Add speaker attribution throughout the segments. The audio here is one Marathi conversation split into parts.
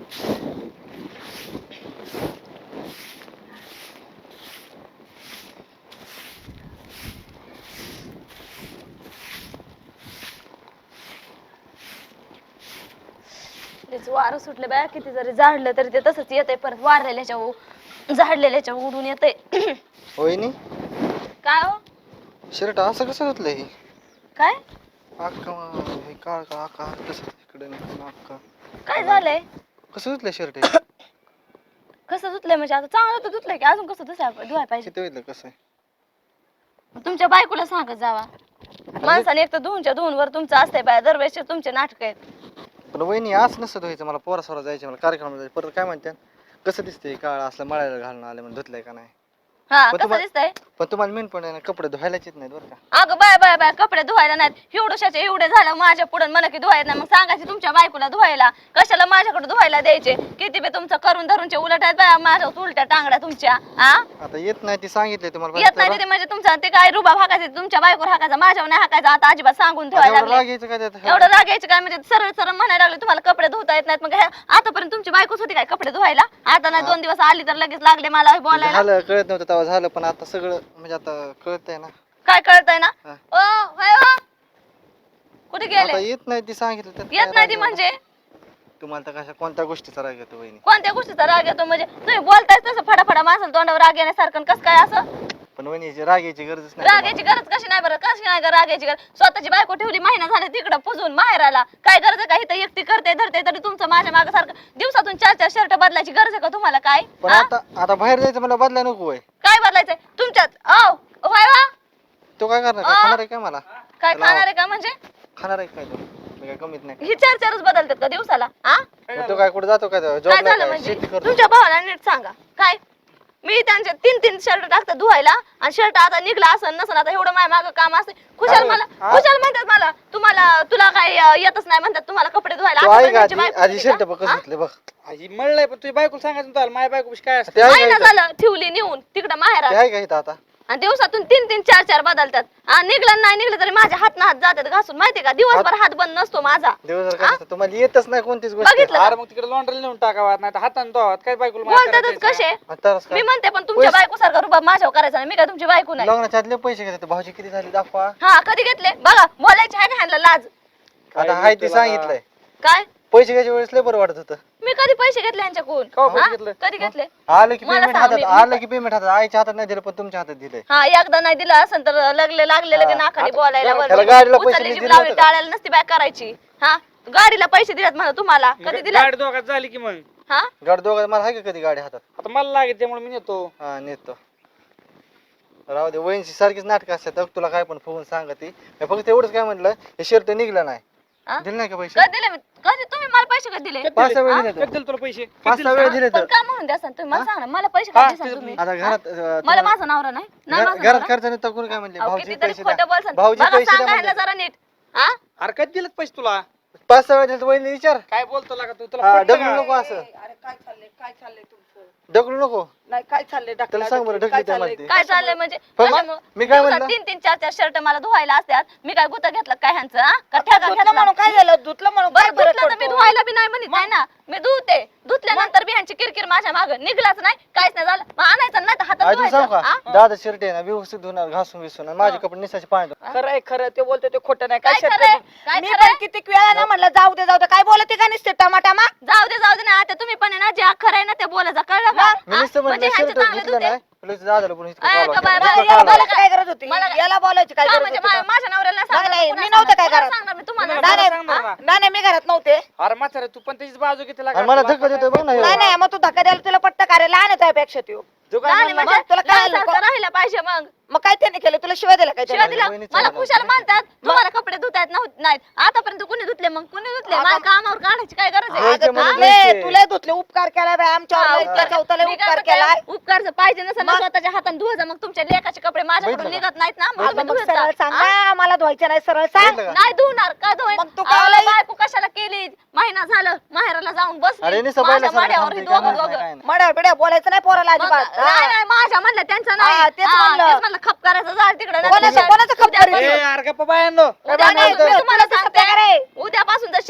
Speaker 1: वारं सुटले बाया, किती जरी झाडलं तरी ते तसंच येतंय, परत वारलेल्याच्या झाडलेल्याच्या उडून येतंय.
Speaker 2: वहिनी
Speaker 1: काय हो?
Speaker 2: शर्ट असं कसं घातलंय हे?
Speaker 1: काय
Speaker 2: अक्का हे काळ का अक्का कसं इकडे अक्का
Speaker 1: काय झालंय?
Speaker 2: कसं घातलंय शर्ट
Speaker 1: कसं धुतलंय म्हणजे आता चांगलं तर धुतलंय की अजून कसं धुवाय पाहिजे?
Speaker 2: किती वेळ कसं आहे?
Speaker 1: तुमच्या बायकोला सांगत जावा. माणसाने एक तर धुवून वर तुमचं असतंय बाया, दरवेळेस तुमचे नाटक आहेत.
Speaker 2: पण वहिनी असं नसतं धुवायचं, मला पोरासोरा जायचं, मला कार्यक्रमाला जायचं, परत काय म्हणते कसं दिसतंय काळ असलं मळायला घालून आले म्हणून धुतलंय का नाही?
Speaker 1: हा
Speaker 2: पण
Speaker 1: कसं दिसतंय?
Speaker 2: पण तुम्हाला मेन पण कपडे धुवायलाच येत नाहीत बरं का?
Speaker 1: अगं बाय कपडे धुवायला नाहीत, एवढ्याचे एवढे झालं माझ्या पुढे मला की धुवायला नाही, मग सांगायची तुमच्या बायकोला धुवायला, कशाला माझ्याकडे धुवायला द्यायचे? किती बे तुमचं करून धरूनचे उलट आहेत बाया, माझ्या उलट्या टांगड्या तुमच्या.
Speaker 2: आता येत नाही ती सांगितले तुम्हाला
Speaker 1: येत नाही ते म्हणजे तुमचा ते काय रुबाब हाकायचे, तुमच्या बायकोवर हाकायचा, माझ्यावर नाही हाकायचा. आता अजिबात सांगून ठेवायला लागले. एवढं रागायचं काय म्हणजे? सरळ सरळ म्हणायला लागले तुम्हाला कपडे धुता येत नाहीत. मग आतापर्यंत तुमची बायकोच होती काय कपडे धुवायला? आता नाही 2 दिवस आली तर लगेच लागले मला बोलायला.
Speaker 2: झालं कळत नव्हतं तेव्हा झालं, पण आता सगळं म्हणजे आता कळतंय ना.
Speaker 1: काय कळतंय ना? ओ होय हो, कुठे
Speaker 2: आता
Speaker 1: गेले?
Speaker 2: येत नाही ती सांगितलं तर
Speaker 1: येत नाही ती म्हणजे
Speaker 2: तुम्हाला तर कशा कोणत्या गोष्टीचा राग येतो वहिनी?
Speaker 1: कोणत्या गोष्टीचा राग येतो म्हणजे? तुम्ही बोलताय तसं फडाफडा माणसाला तोंडावर राग येण्यासारखं, कसं काय असं?
Speaker 2: पण वहिनी राग यायची गरजच नाही.
Speaker 1: रागायची गरज कशी नाही बरं? कशी नाही रागायची गरज? स्वतःची बायको ठेवली, महिना झाला तिकडं पुजून माहेराला, काय गरज आहे का? इथं एकटी करते धरते तरी तुमचं माझ्या मागे सारखं दिवसातून 4-4 शर्ट बदलायची गरज आहे का तुम्हाला? काय
Speaker 2: पण आता बाहेर जायचं मला बदला नको होय.
Speaker 1: काय बदलायचंय तुमच्यात? होय वा,
Speaker 2: तो काय करणार? काय खाणार आहे काय मला?
Speaker 1: काय खाणार आहे का म्हणजे?
Speaker 2: खाणार आहे काय तो? मी काय कमीत नाही.
Speaker 1: ही 4-4च बदलतात का दिवसाला?
Speaker 2: मग तो काय कुठे जातो काय?
Speaker 1: काय
Speaker 2: जॉबला
Speaker 1: झालं
Speaker 2: काय?
Speaker 1: म्हणजे?
Speaker 2: शेती करतो.
Speaker 1: तुमच्या भावाला नीट सांगा. काय मी त्यांचे 3-3 शर्ट टाकतात धुवायला, आणि शर्ट आता निघला असं नसन, आता एवढं माझ्या मागं काम असते. खुशाल म्हणतात मला, तुला काय येतच नाही म्हणतात तुम्हाला कपडे धुवायला.
Speaker 2: तो
Speaker 1: आता
Speaker 2: आहे
Speaker 1: पण
Speaker 2: का
Speaker 1: त्यांची
Speaker 2: आधी
Speaker 1: बायको
Speaker 2: आधी
Speaker 1: होती
Speaker 2: शर्ट
Speaker 1: का?
Speaker 2: बघ कसं घेतलं बघ.
Speaker 3: आजी म्हणलंय पण तुझी बायको सांगायचं तुला माझ्या बायको काय असतं?
Speaker 2: ते आहे
Speaker 1: महिना
Speaker 2: का
Speaker 1: झालं ठेवली नेऊन तिकडं
Speaker 2: ते
Speaker 1: माहेरात,
Speaker 2: आहे का इथं आता?
Speaker 1: आणि दिवसातून 3-3 4-4 बदलतात. निघलं नाही निघलं तरी माझ्या हात जातात घासून, माहितीये का? दिवसभर हात बंद नसतो माझा.
Speaker 2: दिवसभर काय असतं? तुम्हाला येतच नाही कोणतीच गोष्ट.
Speaker 1: बघितलं
Speaker 3: अरे मग तिकडे लॉन्ड्री नेऊन टाकावा, नाही तर हाताने धुवावात. काय बायकोला मार
Speaker 1: बोलतातच
Speaker 3: करायचं?
Speaker 1: कसे?
Speaker 2: आताच
Speaker 1: मी
Speaker 2: काय
Speaker 1: म्हणते पण तुमच्या बायको सारखा रुबाब माझ्यावर करायचा नाही. मी काय तुमची बायको नाही?
Speaker 2: लग्नाच्या आदले पैसे घेतात भाऊजी किती झाले दाखवा.
Speaker 1: हा कधी घेतले बघा, बोलायचे आहे का ह्यांना लाज?
Speaker 2: आता हाय ते सांगितलंय.
Speaker 1: काय
Speaker 2: पैसे घ्यायच्या वेळेस लय बरं वाटत होतं.
Speaker 1: मी कधी पैसे घेतले ह्यांच्याकडून?
Speaker 3: केव्हा पैसे
Speaker 1: हा?
Speaker 3: घेतले?
Speaker 1: कधी घेतले?
Speaker 2: आलं की
Speaker 1: मला
Speaker 2: पेमेंट
Speaker 1: सांग,
Speaker 2: हातात,
Speaker 1: मी-
Speaker 2: आलं की पेमेंट हातात. आईच्या हातात नाही दिलं पण तुमच्या हातात दिलंय.
Speaker 1: हा एकदा नाही दिला असेल तर लागले की नाकाने बोलायला
Speaker 2: त्याला गाडीला पैसे
Speaker 1: उचलली
Speaker 2: नाही
Speaker 1: जीभ
Speaker 2: दिले
Speaker 1: लावली
Speaker 2: होते का?
Speaker 1: टाळायला नसती बाय करायची. हा गाडीला पैसे दिलेत म्हणा तुम्हाला, कधी दिले?
Speaker 3: गाडी दोघात झाली की मग
Speaker 1: हा
Speaker 2: गाडी दोघं मला आहे का कधी गाडी हातात?
Speaker 3: आता मला लागेल त्यामुळे मी नेतो.
Speaker 2: हा नेतो. राहू दे, वहिनीची सारखीच नाटकं असतात. तुला काय पण फुगून सांगते. मी फक्त एवढंच काय म्हटलं, हे शर्ट निघलं नाही.
Speaker 1: हा?
Speaker 2: दिले नाही का पैसे?
Speaker 1: कधी दिले? कधी तुम्ही मला पैसे कधी दिले?
Speaker 2: 5-6 वेळ दिले
Speaker 3: कधी
Speaker 2: तर.
Speaker 3: दिले तुला पैसे?
Speaker 2: 5-6 वेळ दिले
Speaker 1: पण
Speaker 2: तर.
Speaker 1: का म्हणून द्या तुम्ही मला सांगा ना, मला पैसे
Speaker 3: हा,
Speaker 1: कधी द्याल तुम्ही?
Speaker 2: आता घरात
Speaker 1: मला माझा नवरा नाही ना, माझा
Speaker 2: घरात
Speaker 1: नवरा?
Speaker 2: खर्च नाही तर कोणी काय म्हणले?
Speaker 1: अहो,
Speaker 2: भाऊजी
Speaker 1: कितीतरी
Speaker 2: पैसे द्या.
Speaker 1: खोटं बोलसान.
Speaker 2: भाऊजी
Speaker 1: बघा,
Speaker 2: पैसे द्या
Speaker 1: सांगा ह्यांना
Speaker 2: म्हणले.
Speaker 1: जरा नीट. हा
Speaker 3: अरे कधी दिलेत पैसे तुला?
Speaker 2: 5-6 वेळ दिले तर वहिनी विचार.
Speaker 3: काय बोलतो लागा तू?
Speaker 2: हा,
Speaker 3: तुला पटतं
Speaker 2: डगलू
Speaker 3: का?
Speaker 2: नको असं.
Speaker 4: अरे काय चाललंय तुमचं?
Speaker 2: डगलू नको.
Speaker 4: नाही काय चाललंय
Speaker 2: त्याला सांग बरं, ढकली त्या म्हणते.
Speaker 1: काय चाललंय म्हणजे?
Speaker 2: पण
Speaker 1: कशामुळं?
Speaker 2: मी काय म्हणलं?
Speaker 1: 3-3 4-4 शर्ट मला धुवायला असतात. मी काय गुता घेतला काय ह्यांचं? हा? का ठेका
Speaker 4: धुतलं
Speaker 1: घेतला?
Speaker 4: म्हणून काय झालं? धुतलं म्हणून काय
Speaker 1: बरं
Speaker 4: फरक
Speaker 1: धुतलं तर मी
Speaker 4: पडतो?
Speaker 1: धुवायला बी नाही म्हणत नाही ना, मी धुते. धुतल्यानंतर बी ह्यांची किरकिर माझ्या मागं निघलाच नाही, काहीच नाही झालं. मग आणायचं नाही तर हातात
Speaker 2: आधी सांग
Speaker 1: धुवायचं. हा?
Speaker 2: का दादा शर्ट आहे ना व्यवस्थित धुणार घासून विसून आणि माझे कपडे निसाचे पाणी.
Speaker 4: खरंय खरं ते बोलतो ते खोटं नाही.
Speaker 1: काय
Speaker 4: काय शर्ट
Speaker 1: खरंय?
Speaker 4: धुत-
Speaker 1: काय
Speaker 4: मी
Speaker 1: खरंय?
Speaker 4: पण किती वेळा ना म्हणलं जाऊ दे काय बोलते का नुसते टमाटामा?
Speaker 1: जाऊ दे ना, आता तुम्ही पण आहे ना, जे खरं आहे ना ते बोलायचं, कळलं का?
Speaker 2: मी
Speaker 1: हा?
Speaker 2: नुसतं
Speaker 1: म्हणजे
Speaker 2: म्हणलं
Speaker 1: ह्यांचे
Speaker 2: शर्ट
Speaker 1: चांगले
Speaker 2: धुतलं
Speaker 1: धुते.
Speaker 2: नाही लगेच दादाला पण इतकं
Speaker 1: ऐ,
Speaker 2: कालवा
Speaker 1: का बाय,
Speaker 2: केला.
Speaker 1: बाय,
Speaker 2: इतकं
Speaker 1: याला
Speaker 2: कालवा.
Speaker 1: बोला
Speaker 4: काय गरज होती?
Speaker 1: मला-
Speaker 4: याला बोलायची काय
Speaker 1: का
Speaker 4: गरज
Speaker 1: म्हणजे
Speaker 4: होती का?
Speaker 1: माझ्या नवऱ्याला सांगणार,
Speaker 4: नाही,
Speaker 1: कुणाला
Speaker 4: मी नव्हते काय
Speaker 1: सांगणार?
Speaker 4: घरात.
Speaker 1: सांगणार मी तुम्हाला.
Speaker 3: नाही,
Speaker 4: नाही
Speaker 3: मला
Speaker 4: नाही
Speaker 3: सांगणार ना.
Speaker 4: नाही, नाही, मी घरात नव्हते.
Speaker 3: अरे म्हातारे तू पण त्याचीच बाजू घेते लागा.
Speaker 2: आणि मला धक्का देतोय बघ ना ह्यो.
Speaker 4: नाही नाही मग तू धक्का द्यायला तुला पट्ट करायला लहान आहे पेक्षा तू.
Speaker 3: जो काय
Speaker 1: नाही,
Speaker 3: म्हणला
Speaker 1: म्हणजे
Speaker 4: तुला काय आलं
Speaker 1: लहानसारखं
Speaker 4: का?
Speaker 1: राहिलं पाहिजे मग.
Speaker 4: मग काय त्याने केलं तुला शिवाय दिला काय
Speaker 1: शिवाय
Speaker 4: त्याने?
Speaker 1: दिला
Speaker 2: बहिणीचं
Speaker 1: मला
Speaker 2: झालं.
Speaker 1: खुशाल म्हणतात तुम्हाला कपडे धुतायत नाहीत. आतापर्यंत कुणी धुतले? मग कुणी धुतले? माझ्या कामावर काढायची काय गरज आहे?
Speaker 2: धुवायचे
Speaker 4: अगं,
Speaker 2: म्हणून
Speaker 4: धुतले,
Speaker 2: धुवायचे.
Speaker 4: तुला धुतले उपकार केला बाई आमच्यावर
Speaker 1: हा,
Speaker 4: लय इतका चौथाला
Speaker 1: मी काय
Speaker 4: उपकार
Speaker 1: म्हणते,
Speaker 4: केलाय.
Speaker 1: उपकारचं पाहिजे नसेल ना
Speaker 4: मग?
Speaker 1: स्वतःच्या हाताने धुवायचं, मग तुमच्या लेकाचे कपडे माझ्याकडून
Speaker 2: बघितलं
Speaker 1: निघत नाहीत ना, मग
Speaker 4: अगं,
Speaker 1: तुम्ही
Speaker 4: मग
Speaker 1: धुवायचं.
Speaker 4: सरळ सांग ना, मला धुवायचं नाही सरळ सांग.
Speaker 2: बघितलं का?
Speaker 1: नाही धुणार का धुवाय?
Speaker 4: मग तू काय आलाय?
Speaker 1: बायको कशाला केली? महिना झालं माहेराला जाऊन
Speaker 2: अरे
Speaker 1: बसली
Speaker 2: निसं
Speaker 1: माझ्या
Speaker 2: पहिल्यासारखं
Speaker 1: माड्यावर ही
Speaker 2: थांबते, काय
Speaker 1: दोघं
Speaker 2: नाही, काय नाही.
Speaker 4: मड्या बिड्या बोलायचं नाही पोराला
Speaker 1: मग-
Speaker 4: अजिबात.
Speaker 1: नाही नाही, माझ्या म्हणलं त्यांचं नाही.
Speaker 4: हा, तेच
Speaker 1: हा,
Speaker 4: म्हणलं.
Speaker 1: तेच म्हणलं खप करायचं झालं तिकडे
Speaker 4: कोणाचं खप करीत?
Speaker 3: ए, अरे गप्पा बायांनो.
Speaker 4: उद्या नाही,
Speaker 1: मी तुम्हाला
Speaker 4: तुला
Speaker 1: सांगते,
Speaker 4: सत्य का रे?
Speaker 1: उद्यापासून जर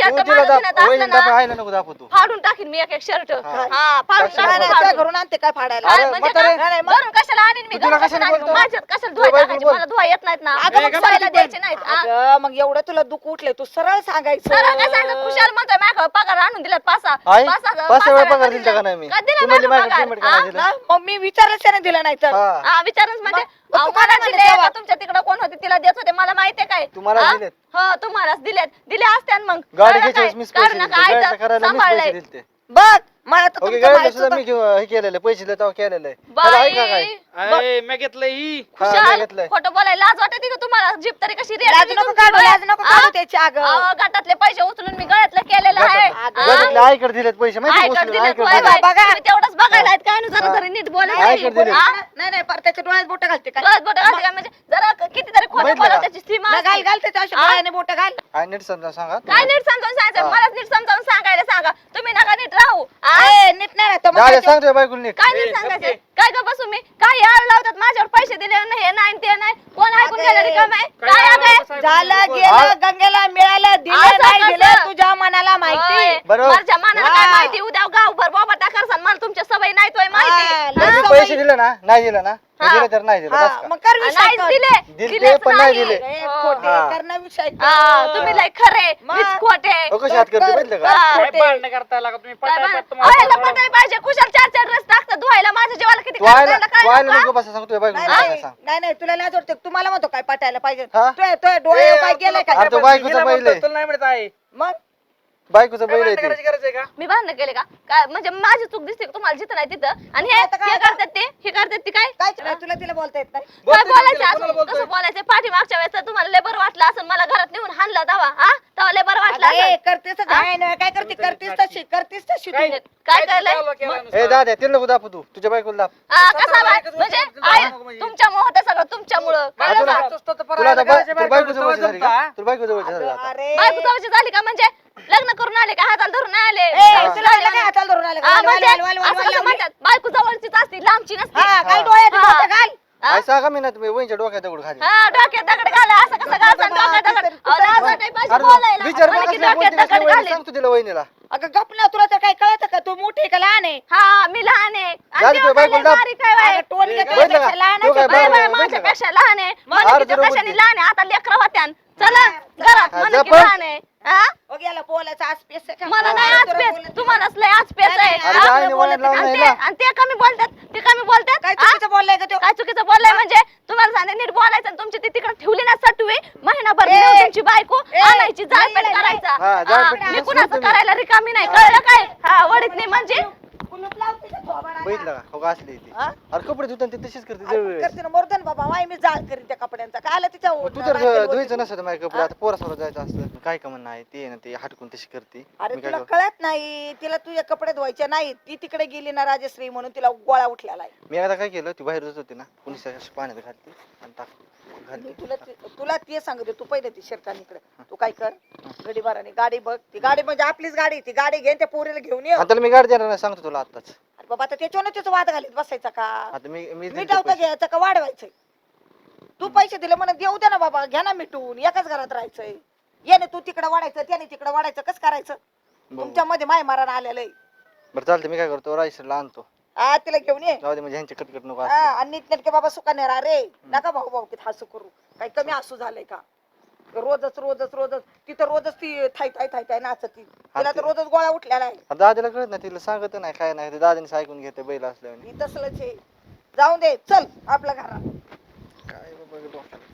Speaker 1: शर्ट
Speaker 2: तू तिला
Speaker 1: माझं
Speaker 2: दाप
Speaker 1: धिनात असलं
Speaker 2: वहिनी
Speaker 1: ना
Speaker 2: दाप आईला नको दाखवू तू
Speaker 1: फाडून टाकीन मी एक एक शर्ट
Speaker 2: हा.
Speaker 1: हा फाडून
Speaker 2: कशाला
Speaker 4: नाही,
Speaker 1: टाकीन,
Speaker 4: नाही, त्या
Speaker 1: फाडून.
Speaker 4: घरून आणते काय फाडायला
Speaker 1: काय
Speaker 2: अरे,
Speaker 1: म्हणजे
Speaker 2: म्हातारे.
Speaker 1: का?
Speaker 4: नाही, मग-
Speaker 1: घरून कशाला आणीन मी
Speaker 2: तू तिला
Speaker 1: घरून
Speaker 2: कशाला
Speaker 1: कशाला आणीन?
Speaker 2: बोलतो?
Speaker 1: माझ्यात कशाला
Speaker 2: तू
Speaker 1: धुवायला
Speaker 2: बायकोला
Speaker 1: टाकायचे?
Speaker 2: बोल.
Speaker 1: मला धुवा येत नाहीत ना
Speaker 4: अगं, मग
Speaker 1: धुवायला
Speaker 4: सांगितलं.
Speaker 1: द्यायचे नाहीत हा.
Speaker 4: अगं, मग एवढं तुला दुःख उठले तू सरळ सांगायचं
Speaker 1: सरळ काय सांगत खुशाल म्हणतोय माझ्या पगार आणून दिलात पाच
Speaker 2: आई
Speaker 1: पाच
Speaker 2: पाच वेळा पगार दिलता का नाही मी
Speaker 1: का दिला
Speaker 2: तू म्हणली
Speaker 1: माझा
Speaker 2: माझ्याकडे
Speaker 1: पगार?
Speaker 2: पेमेंट करायला दिलं.
Speaker 4: ना, मग मी विचारलंच त्याने दिलं नाही तर
Speaker 2: हा
Speaker 1: हा विचारच म्हणजे
Speaker 4: मग
Speaker 1: अहो,
Speaker 4: तू काय
Speaker 1: मला
Speaker 4: म्हणते
Speaker 1: दिले
Speaker 4: तेव्हा?
Speaker 1: का तुमच्या तिकडे कोण होते तिला देत होते मला माहितीये काय
Speaker 2: तुम्हाला
Speaker 1: हा?
Speaker 2: दिलेत.
Speaker 1: हो तुम्हालाच दिले असते आणि मग
Speaker 2: गाडी
Speaker 1: कळलं
Speaker 2: घ्यायच्या
Speaker 1: काय?
Speaker 2: वेळेस मीच पैसे
Speaker 1: कारण
Speaker 2: दिलते.
Speaker 1: काय
Speaker 2: गाडीचं
Speaker 1: तर
Speaker 2: करायला मीच
Speaker 1: सांभाळलंय.
Speaker 2: पैसे दिलते.
Speaker 4: बघ मला तर
Speaker 2: ओके
Speaker 4: तुमचं
Speaker 2: गाडीला
Speaker 4: माहित
Speaker 2: सुद्धा
Speaker 4: होतं.
Speaker 2: मी हे केलेलं पैसे दिले तेव्हा केलेलं आहे त्याला आहे का काय
Speaker 1: बाई
Speaker 3: मी घेतलं ही
Speaker 2: हा, मी
Speaker 1: खुशाल
Speaker 2: घेतलंय.
Speaker 1: खोटं बोलायला लाज वाटते का तुम्हाला जीप तरी कशी रेट
Speaker 4: लाज नको काढू लाज नको काढू त्याची अगं
Speaker 1: गटातले पैसे उचलून मी गळ्यातलं केलेलं आहे
Speaker 4: अगं,
Speaker 1: हा?
Speaker 2: गटातले आईकडे दिलेत पैसे माहिती
Speaker 1: आयकर
Speaker 2: उचलून,
Speaker 1: दिलेत,
Speaker 2: आईकडे
Speaker 1: होय
Speaker 2: दिलेत.
Speaker 1: बाई.
Speaker 4: बघा.
Speaker 1: तुम्ही तेवढंच बघायला आहेत काय ना जरा तरी नीट बोलायला
Speaker 2: आयकर
Speaker 1: नाही.
Speaker 2: दिलेत.
Speaker 1: हा?
Speaker 4: नाही पर त्याच्या डोळ्यात बोट घालते काय
Speaker 1: गळ्यात बोटं घालते का? म्हणजे जरा कितीतरी खोटं
Speaker 2: बघितलं
Speaker 1: बोला
Speaker 2: का?
Speaker 1: त्याची सीमा
Speaker 4: नाही, घाल
Speaker 1: असते.
Speaker 4: घाल त्याच्या अशा
Speaker 1: हा?
Speaker 4: डोळ्याने बोट घाल
Speaker 2: आई नीट समजा सांगा
Speaker 1: काय नीट समजावून सांगायचं
Speaker 2: हा.
Speaker 1: मलाच नीट समजावून सांगायला सांगा तुम्ही नका नीट राहू हा?
Speaker 4: ए, नीट नाही राहत, मग
Speaker 2: दादा
Speaker 4: त्याच्या-
Speaker 2: सांगतोय बायकोला नीट
Speaker 1: काय नीट सांगायचं काय का बसू मी काय याळ लावतात माझ्यावर पैसे दिले नाही हे नाही ते नाही कोण ऐकून
Speaker 4: अगं,
Speaker 1: गेलं रिकाम आहे
Speaker 3: काय
Speaker 1: काय
Speaker 3: आलं
Speaker 1: अगं?
Speaker 3: कसं
Speaker 4: झालं
Speaker 3: ऐकून
Speaker 4: गेलं
Speaker 2: हा?
Speaker 4: गंगेला मिळालं दिलं
Speaker 1: असं
Speaker 4: नाही
Speaker 1: कसं?
Speaker 4: दिलं तुझ्या मनाला माहिती
Speaker 1: होय.
Speaker 2: बरोबर.
Speaker 1: माझ्या मनाला काय
Speaker 4: हा.
Speaker 1: माहिती उद्या गावभर बाबा टाकरसान मला तुमच्या सवय नाही तोय
Speaker 4: हा,
Speaker 1: माहिती
Speaker 4: लय
Speaker 2: जर
Speaker 1: हा?
Speaker 2: मी पैसे दिले ना नाही दिलं ना मी
Speaker 1: हा.
Speaker 2: दिलं तर नाही दिलं
Speaker 4: हा,
Speaker 2: बस का?
Speaker 4: मग कर विषय
Speaker 1: नाहीच
Speaker 4: कर.
Speaker 1: दिले
Speaker 2: दिले
Speaker 1: दिलेच
Speaker 2: पण नाही
Speaker 1: नाही.
Speaker 2: दिले.
Speaker 4: ए,
Speaker 1: हो.
Speaker 4: खोटे
Speaker 2: हा.
Speaker 4: करणं विषय कर.
Speaker 1: हा, तुम्ही लय खरे
Speaker 4: मग?
Speaker 1: मीच खोटे
Speaker 2: कशी हात करते बघितलं का
Speaker 1: हा.
Speaker 3: काय
Speaker 4: खोटे.
Speaker 3: भांडणं करताय लागा तुम्ही
Speaker 1: काय
Speaker 3: पटाय
Speaker 1: बा-
Speaker 3: पट तुम्हाला
Speaker 1: अहो, याला
Speaker 3: पटायला
Speaker 1: पटायला पाहिजे खुशाल चार चार ड्रेस टाकतात धुवायला माझ्या जेवायला किती
Speaker 2: तू आयला
Speaker 1: खर्च झाला
Speaker 2: तू
Speaker 1: काय
Speaker 2: आयला
Speaker 1: नको,
Speaker 2: नको बसा सांगतोय बायकोला
Speaker 4: नाही
Speaker 2: नीट
Speaker 4: नाही,
Speaker 2: सांग
Speaker 4: नाही नाही तुला लाज वाटते तुम्हाला म्हणतो काय पटायला पाहिजे
Speaker 2: हा?
Speaker 4: तुझ्या डोळे काय गेले काय
Speaker 2: अरे तो बायकोचा
Speaker 3: हिला
Speaker 2: बैल
Speaker 3: म्हणतो,
Speaker 2: आहे.
Speaker 3: तुला नाही म्हणत आहे
Speaker 4: मग
Speaker 2: बायकोचं
Speaker 3: काय
Speaker 2: बैल आहे
Speaker 3: भांडणं
Speaker 2: ते.
Speaker 3: करायची गरज आहे का
Speaker 1: मी भांडण केले का काय म्हणजे माझी चूक दिसते का तुम्हाला जिथं नाही तिथं आणि हे
Speaker 4: आता काय
Speaker 1: हे
Speaker 4: आता?
Speaker 1: करतात ते हे करतात ते काय
Speaker 4: काय नाही, तुला तिला बोलता येत नाही
Speaker 1: काय
Speaker 3: बोलतोय
Speaker 1: बोलायचं
Speaker 3: तिला,
Speaker 1: असं
Speaker 3: कोणाला बोलतोय?
Speaker 1: कसं बोलायचं पाठीमागच्या वेळेस तर तुम्हाला लेबर वाटलं असं मला घरात नेऊन हाणला दावा हा तेव्हा लेबर वाटलं
Speaker 4: अगं, ए,
Speaker 1: असं
Speaker 4: करतेस काय नाही काय करते करतेस तशी करतेस तशी
Speaker 3: काय
Speaker 4: तू
Speaker 1: काय केलंय
Speaker 3: चालू केलं
Speaker 2: ए
Speaker 3: नुसतं?
Speaker 2: दादा तिला नको दाखव तू तुझ्या बायकोला दाप
Speaker 1: हा कसा
Speaker 3: स्वतःला
Speaker 1: बाय
Speaker 3: एकच
Speaker 1: म्हणजे
Speaker 3: गोष्ट
Speaker 1: आई
Speaker 3: नको म्हणजे.
Speaker 1: तुमच्यामुळं होतं सगळं तुमच्यामुळं
Speaker 3: काय
Speaker 1: कळलं
Speaker 2: तुला-
Speaker 1: का?
Speaker 3: तुला तर
Speaker 2: तुला
Speaker 3: पराया
Speaker 2: आता
Speaker 3: करायच्या
Speaker 2: तुला
Speaker 3: बायकोला
Speaker 2: बायको जवळची झाली का
Speaker 3: जमता?
Speaker 2: तुला बायको जवळची झाली का आता?
Speaker 4: अरे
Speaker 1: बायको जवळची झाली का म्हणजे लग्न करून आले का हाताला धरून आले
Speaker 4: ए, तुला आलं काय हाताला धरून आलं का?
Speaker 1: हा,
Speaker 4: वाल,
Speaker 1: म्हणजे
Speaker 4: वाल, वाल, वाल,
Speaker 1: असं
Speaker 4: वाल
Speaker 1: कसं
Speaker 4: लावली.
Speaker 1: म्हणतात बायको जवळचीच असते लांबची नसते
Speaker 4: हा घाल
Speaker 2: हा.
Speaker 4: डोळ्यात
Speaker 1: हा.
Speaker 4: बोटं घाल
Speaker 1: हा?
Speaker 2: आई सांगा मी ना तुम्ही वहिनीच्या डोक्यात दगड खाली
Speaker 1: हा डोक्यात दगड घाला असं कसं घालता डोक्यात दगड अहो, लाज वाटाय पाहिजे
Speaker 2: अरे
Speaker 1: बोलायला
Speaker 2: विचार
Speaker 1: म्हणे की
Speaker 2: बघ असल्या
Speaker 1: डोक्यात
Speaker 2: बोलते कसल्या
Speaker 1: दगड
Speaker 2: वहिनी
Speaker 1: घालेल
Speaker 2: सांगतो तिला वहिनीला
Speaker 4: अगं गप ना तुला तर काय कळत का तू मोठी आहे का लहान आहे
Speaker 1: हा मी लहान आहे आणि
Speaker 2: झाली
Speaker 1: तेव्हा
Speaker 2: तुझ्या बायकोला
Speaker 1: काय लय
Speaker 2: दाब.
Speaker 1: बारीक आहे बाई.
Speaker 4: अगं टोन
Speaker 3: ए,
Speaker 4: घेतलं
Speaker 2: बघितलं का?
Speaker 4: त्यापेक्षा लहानच
Speaker 2: तो काय
Speaker 4: आहे.
Speaker 1: बाय
Speaker 2: बरोबर
Speaker 1: बाय
Speaker 2: आहे,
Speaker 1: माझ्यापेक्षा लहान आहे
Speaker 2: अर्ध
Speaker 1: म्हणजे तिच्या
Speaker 2: रोबोट
Speaker 1: कशाने
Speaker 2: आहे.
Speaker 1: लहान आहे आता लेकरं होत्या चला घरात
Speaker 2: हा,
Speaker 1: म्हणे
Speaker 2: जा
Speaker 1: की
Speaker 2: पण.
Speaker 1: लहान आहे हा?
Speaker 4: हो गेला बोलायचा आज पेस आहे का?
Speaker 1: मला नाही
Speaker 4: हा,
Speaker 1: आज
Speaker 4: तुला
Speaker 1: पेच
Speaker 4: बोलायचं.
Speaker 1: तुम्हालाच लय आज पेच आहे
Speaker 4: नाही,
Speaker 2: अरे
Speaker 1: हा?
Speaker 2: जायने वळण लावून
Speaker 1: आणि
Speaker 2: नाही
Speaker 1: ते- आणि ते कमी बोलतात ते कमी बोलतात
Speaker 4: काय
Speaker 1: हा?
Speaker 4: चुकीचं बोललाय का तो
Speaker 1: काय चुकीचं बोललाय म्हणजे तुम्हाला सांगते नीट बोलायचं आणि तुमची ती तिकडे ठेवली ना सटवी महिनाभर
Speaker 4: ए,
Speaker 1: नेऊन तुमची बायको
Speaker 4: ए,
Speaker 1: आणायची जाळपेट
Speaker 4: नाही,
Speaker 1: करायचा
Speaker 2: हा, जाळपेट
Speaker 1: हा, मी
Speaker 2: करायचं
Speaker 1: कुणाचं
Speaker 2: तुम्ही.
Speaker 1: करायला रिकामी नाही कळलं काय हा वडीत नाही म्हणजे
Speaker 4: कुलूप लाव तिच्या थोबाडाला.
Speaker 2: बघितलं का हो का असली ती
Speaker 4: हा?
Speaker 2: अरे कपडे धुताना ती तशीच करते
Speaker 4: अरे
Speaker 2: दरवेळेस
Speaker 4: करते ना मर्दन बाबा माय मी जाळ करीन त्या कपड्यांचा काय आलं तिच्या
Speaker 2: मग तू तर
Speaker 4: राखेल
Speaker 2: धुवायचं
Speaker 4: होती.
Speaker 2: नसतं माझ्या कपडे आता पोरासमोर जायचं असतं काय का म्हणणं आहे ते ना ते हटकून तशी करते
Speaker 4: अरे
Speaker 2: मी काय
Speaker 4: तुला
Speaker 2: करू?
Speaker 4: कळत नाही तिला तुझे कपडे धुवायचे नाही ती तिकडे गेली ना राजश्री म्हणून तिला गोळा उठलेला आहे
Speaker 2: मी आता काय केलं ती बाहेर जात होती ना कुणी पाण्यात घालते आणि टाक घालते
Speaker 4: मी तुला ते सांगते तू पहिले ती शर्टान इकडे तू काय कर गडी बाराने गाडी बघ ती गाडी म्हणजे आपलीच गाडी ती गाडी घेऊन त्या पोरीला घेऊन ये
Speaker 2: आता मी गाडी देणार नाही सांगतो तुला आताच
Speaker 4: अरे बाबा आता त्याच्यावर त्याचं वाद घालीत बसायचा का
Speaker 2: आता मी
Speaker 4: मिठाव का घ्यायचं का वाढवायचंय तू पैसे दिले म्हणून देऊ दे ना बाबा घ्या ना मिटून एकाच घरात राहायचंय याने तू तिकडे वाढायचं त्याने तिकडे वाढायचं कसं करायचं तुमच्या मध्ये माय मारण आलेलं आहे
Speaker 2: बरं चालतं मी काय करतो रायसरला आणतो
Speaker 4: हा तिला घेऊन ये
Speaker 2: जाऊ दे म्हणजे ह्यांचे कटकट नको
Speaker 4: हा,
Speaker 2: असले.
Speaker 4: आणि नीटनेटके बाबा सुखाने राहा रे नका भाऊ भाऊ किती हसू करू काही कमी हसू झालंय का रोजच रोजच रोजच तिथं रोजच ती थाय थाय थाय थाय नाचती तिला तर रोजच गोळा उठलेला आहे
Speaker 2: आता दादाला कळत नाही तिला सांगत नाही काय नाही ते दादाने ऐकून घेते बैल असल्याने
Speaker 4: ही तसलंच आहे जाऊन दे चल आपल्या घरात
Speaker 2: काय बाबा डोक्याला